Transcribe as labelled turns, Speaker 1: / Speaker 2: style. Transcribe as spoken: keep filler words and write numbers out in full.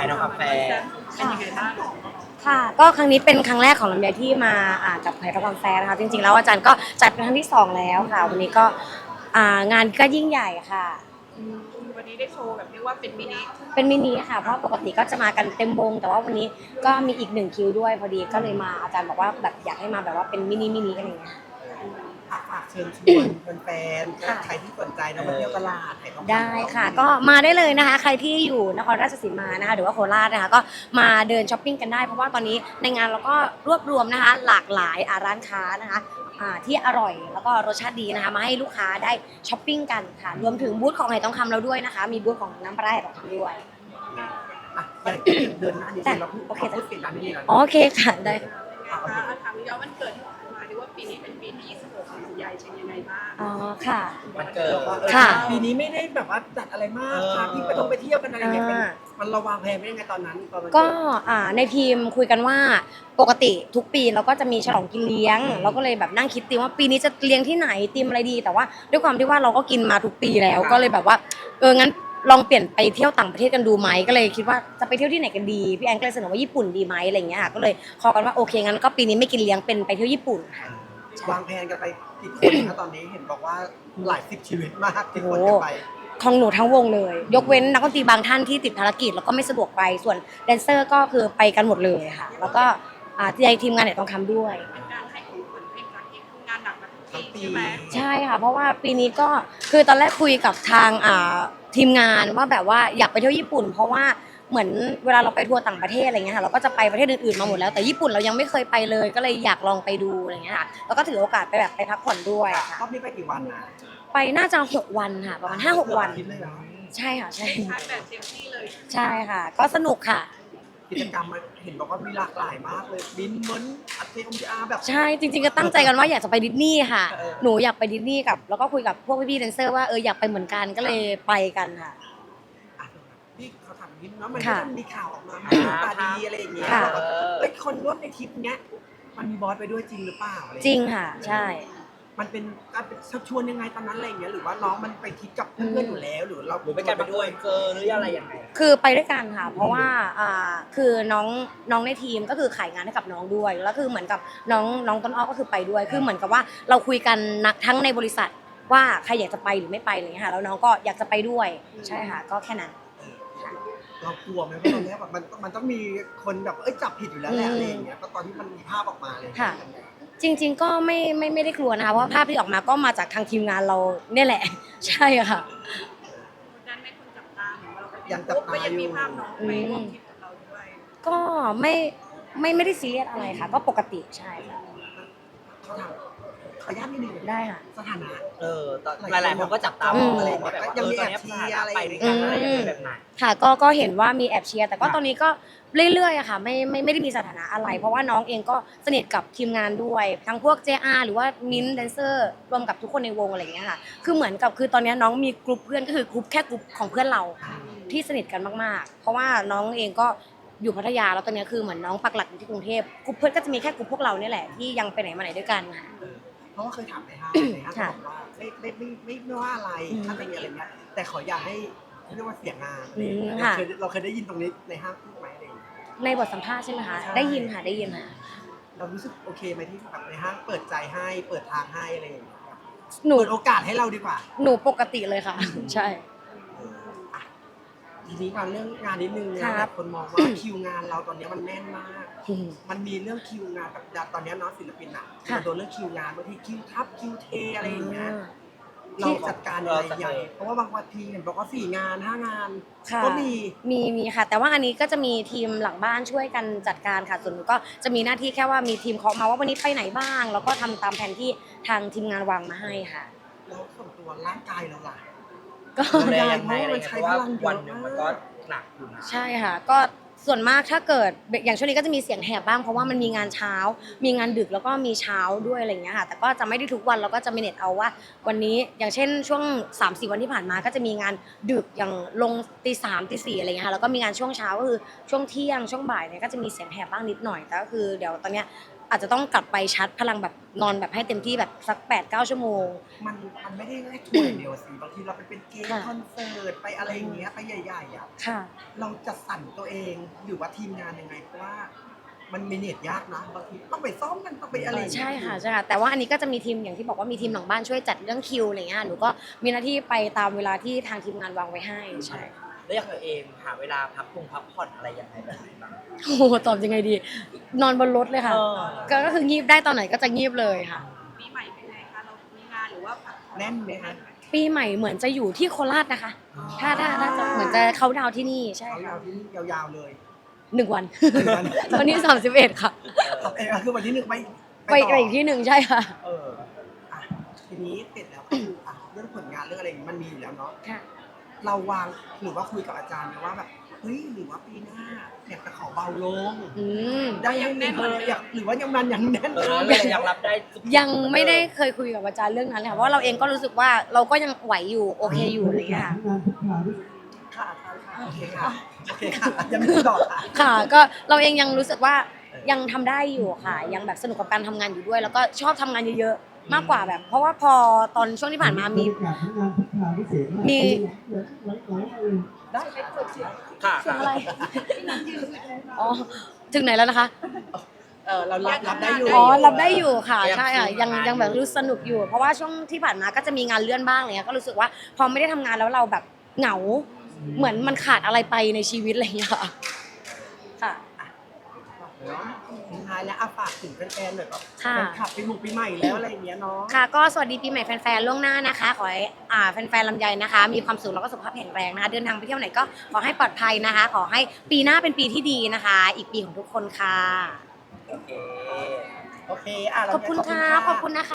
Speaker 1: น้องกาแฟ
Speaker 2: เป็นยังไงบ้างค่ะก็ครั้งนี้เป็นครั้งแรกของลำไยที่มาอ่ากับไผ่ทองคำแฟร์นะคะจริงๆแล้วอาจารย์ก็จัดเป็นครั้งที่สองแล้วค่ะวันนี้ก็อ่างานก็ยิ่งใหญ่ค่ะ
Speaker 3: วันนี้ได้โชว์แบบเรียกว่าเป็นมินิ
Speaker 2: เป็นมินิค่ะเพราะปกติก็จะมากันเต็มวงแต่ว่าวันนี้ก็มีอีกหนึ่งคิวด้วยพอดีก็เลยมาอาจารย์บอกว่าแบบอยากให้มาแบบว่าเป็นมินิมินิอะไรอย่างเงี้ย
Speaker 1: ฝากเชิญชวนแฟนๆใครที่สนใจนะมาเที่ยวตลาด
Speaker 2: ได้ค่ะก็มาได้เลยนะคะใครที่อยู่นครราชสีมานะคะหรือว่าโคราชนะคะก็มาเดินช้อปปิ้งกันได้เพราะว่าตอนนี้ในงานเราก็รวบรวมนะคะหลากหลายร้านค้านะคะที่อร่อยแล้วก็รสชาติดีนะคะมาให้ลูกค้าได้ช้อปปิ้งกันค่ะรวมถึงบูธของไหทองคำเราด้วยนะคะมีบูธของน้ำปลาไหลทองคำด้วย
Speaker 1: เดินหน้านี้เราโอเคพูดปิดร้านนี้ก่อน
Speaker 2: โอเคค่ะได้
Speaker 3: ค่ะถามย้อนวันเกิดที่ผ่านมาดีว่าปีนี้เป็นปีที่ยี่สิบหกของใหญ่เป็นยังไงบ้าง
Speaker 2: อ๋อค่ะ
Speaker 1: มันเกิด
Speaker 2: ค่ะ
Speaker 1: ปีนี้ไม่ได้แบบว่าจัดอะไรมากพาพี่ไปต้องไปเที่ยวกันอะไรอย่างเงี้ยมันระวางแผนไม่ยังไงตอนนั้น
Speaker 2: ก็ในทีมคุยกันว่าปกติทุกปีเราก็จะมีฉลองกินเลี้ยงเราก็เลยแบบนั่งคิดตีว่าปีนี้จะเลี้ยงที่ไหนตีมอะไรดีแต่ว่าด้วยความที่ว่าเราก็กินมาทุกปีแล้วก็เลยแบบว่าเอองั้นลองเปลี่ยนไปเที่ยวต่างประเทศกันดูไหมก็เลยคิดว่าจะไปเที่ยวที่ไหนกันดีพี่แอนก็เลยเสนอว่าญี่ปุ่นดีไหมอะไรอย่างเงี้ยค่ะก็เลยขอกันว่าโอเคงั้นก็ปีนี้ไม่กินเลี้ยงเป็นไปเที่ยวญี่ปุ่นค่ะ
Speaker 1: วางแผนกันไปกี่คนคะตอนนี้เห็นบอกว่าหลายสิบชีวิตมากที่คนจะไป
Speaker 2: ของหนูทั้งวงเลยยกเว้นนักดนตรีบางท่านที่ติดภารกิจแล้วก็ไม่สะดวกไปส่วนแดนเซอร์ก็คือไปกันหมดเลยค่ะแล้วก็ในทีมงานเนี่ยต้องทำด้วย
Speaker 3: เป็นการให้ของขวัญให้กับเองทำงานหนักมาทุกปีใช่ไหม
Speaker 2: ใช่ค่ะเพราะว่าปีนี้ก็คือตอนแรกคุยกับทางทีมงานว่าแบบว่าอยากไปเที่ยวญี่ปุ่นเพราะว่าเหมือนเวลาเราไปทัวร์ต่างประเทศอะไรเงี้ยค่ะเราก็จะไปประเทศอื่นๆมาหมดแล้วแต่ญี่ปุ่นเรายังไม่เคยไปเลยก็เลยอยากลองไปดูอะไรเงี้ยค่ะแล้วก็ถือโอกาสไปแบบไปพักผ่อนด้วย
Speaker 1: รอบนี้ไปกี่วันนะ
Speaker 2: ไปน่าจะหกวันค่ะประมาณห้าหกวันใช่ค่ะใช่
Speaker 3: แบบเต็มที่เลย
Speaker 2: ใช่ค่ะก็สนุกค่ะ
Speaker 1: กิจกรรมเห็นบอกว่ามีหลากหลายมากเลยบินเหมือนอัดเทอมอาแบบ
Speaker 2: ใช่จริงๆก็ตั้งใจกันว่าอยากจะไปดิสนีย์ค่ะหนูอยากไปดิสนีย์กับแล้วก็คุยกับพวกพี่ๆแดนเซอร์ว่าเอออยากไปเหมือนกันก็เลยไปกันค่ะ
Speaker 1: พี่เขาถามนิดเนาะมันก็มีข่าวออกมาตาดีอะไรอย่างเงี้ยเอ้ยคนร่วมในทริปเนี้ยมันมีบอสไปด้วยจริงหรือเปล่า
Speaker 2: จริงค่ะใช่
Speaker 1: มันเป็นการชักชวนยังไงตอนนั้นอะไรอย่างเงี้ยหรือว่าน้องมันไปทริปกับเพื่อนอยู่แล้วหรือเราหรือไปกันไปด้วยเจอหรืออะไรอย่างไง
Speaker 2: คือไปด้วยกันค่ะเพราะว่าอ่าคือน้องน้องในทีมก็คือขายงานให้กับน้องด้วยแล้วคือเหมือนกับน้องน้องต้นอ้อก็คือไปด้วยคือเหมือนกับว่าเราคุยกันนักทั้งในบริษัทว่าใครอยากจะไปหรือไม่ไปอะไรเงี้ยค่ะแล้วน้องก็อยากจะไปด้วยใช่ค่ะก็แค่นั้น
Speaker 1: เรากลัวไหมว่าตอนนี้แบบมันมันต้องมีคนแบบเอ้ยจับผิดอยู่แล้วแหละอะไรอย่างเงี้ยตอนที่มันมีภาพออกมาเลย
Speaker 2: ค่ะจริงๆก็ไม่ไม่ไม่ได้กลัวนะคะเพราะภาพที่ออกมาก็มาจากทางทีมงานเราเนี่ยแหละใช่ค่ะ
Speaker 3: นั้นไม่คนจับตาเหมือนเรา
Speaker 1: ยังจับตา
Speaker 3: อยู่มีภาพน้องไปร่วมทริปกับเราด้วย
Speaker 2: ก็ไม่ไม่ไม่ได้ซีเรียสอะไรค่ะก็ปกติใช่ค่ะ
Speaker 1: เขาถามขออนุญาตนิดนึง
Speaker 2: ได้ค่ะ
Speaker 1: สถานะ
Speaker 4: เออหลายๆคนก็จับตามองอะไรแบบว่า
Speaker 1: ยังมีแอ
Speaker 4: บ
Speaker 1: เชียร์อะไร
Speaker 4: ไปด้วยกันอะไรแบบไหน
Speaker 2: ค่ะก็ก็เห็นว่ามีแอบเชียร์แต่ก็ตอนนี้ก็เรื่อยๆอะค่ะไม่ไม่ไม่ได้มีสถานะอะไรเพราะว่าน้องเองก็สนิทกับทีมงานด้วยทั้งพวก เจ อาร์ หรือว่ามิ้นท์แดนเซอร์รวมกับทุกคนในวงอะไรอย่างเงี้ยค่ะคือเหมือนกับคือตอนนี้น้องมีกลุ่มเพื่อนก็คือกลุ่มแค่กลุ่มของเพื่อนเราที่สนิทกันมากๆเพราะว่าน้องเองก็อยู่พัทยาแล้วตอนนี้คือเหมือนน้องปักหลักอยู่ที่กรุงเทพกลุ่มเพื่อนก็จะมีแค่กลุ่มพวกเราเนี่ยแหละที่ยังไปไหนมาไหนด้วยกันค่ะ
Speaker 1: เพราะว่าเคยถามในห้างในห้างบอกว่าไม่ไม่ไม่ไม่ไม่ว่าอะไรถ้าจะมีอะไรเงี้ยแต่ขออย่าให้เรียกว่าเสียงานเราเคยเราเคยได้ยินตรงนี้ในห้างพูดไหมอะไร
Speaker 2: ในบทสัมภาษณ์ใช่ไหมคะได้ยินค่ะได้ยินค่ะ
Speaker 1: เรารู้สึกโอเคไหมที่แบบในห้างเปิดใจให้เปิดทางให้อะไรอย่างเงี้ยหนูเปิดโอกาสให้เราดีกว่า
Speaker 2: หนูปกติเลยค่ะใช่
Speaker 1: ทีนี้การเรื่องงานนิดนึงนะคนมองว่าคิวงานเราตอนนี้มันแน่นมากมันมีเรื่องคิวงานแบบตอนนี้เนาะศิลปินอ่ะมันโดนเรื่องคิวงานบางทีคิวทับคิวเทอะไรอย่างเงี้ยเราจัดการอะไรใหญ่เพราะว่าบางวันทีเห็นบอกว่าสี่งานห้างานก็มี
Speaker 2: มีมีค่ะแต่ว่าอันนี้ก็จะมีทีมหลังบ้านช่วยกันจัดการค่ะส่วนหนูก็จะมีหน้าที่แค่ว่ามีทีมเคาะมาว่าวันนี้ไปไหนบ้างแล้วก็ทำตามแผนที่ทางทีมงานวางมาให้ค่ะ
Speaker 1: แล้วส่วนตัวร่างกายเราล่ะ
Speaker 4: ก็ได้เพราะมันใช้พลังวันนึงมันก็หนักอยู่นะ
Speaker 2: ใช่ค่ะก็ส่วนมากถ้าเกิดอย่างช่วงนี้ก็จะมีเสียงแหบบ้างเพราะว่ามันมีงานเช้ามีงานดึกแล้วก็มีเช้าด้วยอะไรอย่างเงี้ยค่ะแต่ก็จะไม่ได้ทุกวันเราก็จะมีเน็ตเอาว่าวันนี้อย่างเช่นช่วง สามสี่ วันที่ผ่านมาก็จะมีงานดึกอย่างลงตีสามตีสี่อะไรเงี้ยค่ะแล้วก็มีงานช่วงเช้าก็คือช่วงเที่ยงช่วงบ่ายเนี่ยก็จะมีเสียงแหบบ้างนิดหน่อยแต่ก็คือเดี๋ยวตอนเนี้ยอาจจะต้องกลับไปชาร์จพลังแบบนอนแบบให้เต็มที่แบบสักแปดเก้าชั่วโมง
Speaker 1: มันมันไม่ได้แค่ทัวร์อย่างเดียวสิบางทีเราไปเป็นเกม
Speaker 2: ค่ะ
Speaker 1: คอนเสิร์ตไปอะไรอย่างเงี้ยไปใหญ่ๆอ่ะ
Speaker 2: ค่ะ
Speaker 1: เราจะสั่นตัวเองหรือว่าทีมงานยังไงเพราะว่ามันมีเน็ตยากนะบางทีต้องไปซ้อมกันต้องไปอะไรอย่างเงี้ย
Speaker 2: ใช่ค่ะใช่ค่ะแต่ว่าอันนี้ก็จะมีทีมอย่างที่บอกว่ามีทีมหลังบ้านช่วยจัดเรื่องคิวอะไรเงี้ยหนูก็มีหน้าที่ไปตามเวลาที่ทางทีมงานวางไว้ให้ใช่
Speaker 4: แล้วอย่างตัวเองหาเวลาพักผ่อนพักผ่อนอะไรยังไงแบบไหนบ้าง
Speaker 2: โอ้โหตอบยังไงดี นอนบนรถเลยค่ะ
Speaker 4: เออ
Speaker 2: ก็ก็คืองีบได้ตอนไหนก็จะงีบเลยค่ะ
Speaker 3: ปีใหม่เป็นไงคะเรามีงานหรือว่าพักผ่อ
Speaker 1: แน่นไหมคะ
Speaker 2: ปีใหม่เหมือนจะอยู่ที่โคราชนะคะ ถ้าถ้าถ้าจะเหมือนจะเขาดาวน์ที่นี่ใช่
Speaker 1: เขา
Speaker 2: ค่ะ
Speaker 1: ยาวที่นี่ยาวๆเลย
Speaker 2: หนึ่งวัน
Speaker 1: หนึ่งวัน
Speaker 2: วันที่สามสิบเอ็ดค่ะ
Speaker 1: เออคือวันที่หนึ่งไป
Speaker 2: ไป
Speaker 1: ต่
Speaker 2: ไปอีกที่หนึ่งใช่ค่ะ
Speaker 1: เอออ่ะทีนี้เสร็จแล้วก็คืออ่ะเรื่องผลงานเรื่องอะไรอย่างงี้มันมีอยู่แล้วเนาะ
Speaker 2: ค่ะ
Speaker 1: เราวางหรือว่าคุยกับอาจารย์ไหมว่าแบบเฮ้ยหรือว่าปีหน้าอยากจะขอเบาลง
Speaker 2: อืม
Speaker 1: ได้ยังแน่นเอออยากหรือว่ายังมันยังแน่น
Speaker 4: เออ
Speaker 1: เท่า
Speaker 4: เรา
Speaker 1: เดิม
Speaker 4: ยังรับได้ทุก
Speaker 2: ยังไม่ได้เคยคุยกับอาจารย์เรื่องนั้นเลยค่ะเพราะว่าเราเองก็รู้สึกว่าเราก็ยังไหวอยู่โอเคอยู่อะไรอย่างเงี้ยค่ะ
Speaker 1: ค่ะค่ะค่ะโอเคค่ะโอเคค่ะยังมีต่อค่ะ
Speaker 2: ค่ะก็เราเองยังรู้สึกว่ายังทำได้อยู่ค่ะ ยังแบบสนุกกับการทำงานอยู่ด้วย แล้วก็ชอบทำงานเยอะๆมากกว่าแบบ เพราะว่าพอตอนช่วงที่ผ่านมามี มี
Speaker 1: ได้ค่ะ
Speaker 4: ค่ะ
Speaker 2: เสียงอะไรอ๋อถึงไหนแล้วนะคะ
Speaker 1: เออเรารับรับได้อยู่
Speaker 2: อ๋อรับได้อยู่ค่ะ
Speaker 4: ยัง
Speaker 2: ใช่ค่ะ
Speaker 4: ทำงาน
Speaker 2: ยังยังแบบ
Speaker 4: อยู่
Speaker 2: รู้สนุกอยู่ เพราะว่าช่วงที่ผ่านมาก็จะมีงานเลื่อนบ้างอะไรเงี้ยก็รู้สึกว่าพอไม่ได้ทำงานแล้วเราแบบเหงา เหมือนมันขาดอะไรไปในชีวิตอะไรอย่างเงี้ยค่ะค่ะ
Speaker 1: เนาะสุดท้ายแล้วอาฝากถึงแฟนๆหน่อยแบบ
Speaker 2: ค่ะ
Speaker 1: แฟนคลับปีหมู่ปีใหม่แล้วอะไรอย่างเงี้ยเนาะ
Speaker 2: ค่ะก็สวัสดีปีใหม่แฟนๆล่วงหน้านะคะ ขอให้อ่าแฟนๆลำไยนะคะ มีความสุขแล้วก็สุขภาพแข็งแรงนะคะเดินทางไปเที่ยวไหนก็ขอให้ปลอดภัยนะคะ ขอให้ปีหน้าเป็นปีที่ดีนะคะ อีกปีของทุกคนค่ะ
Speaker 4: โอเค
Speaker 1: โอเคอ่ะเรา
Speaker 2: ขอบคุณค่ะขอบคุณนะคะ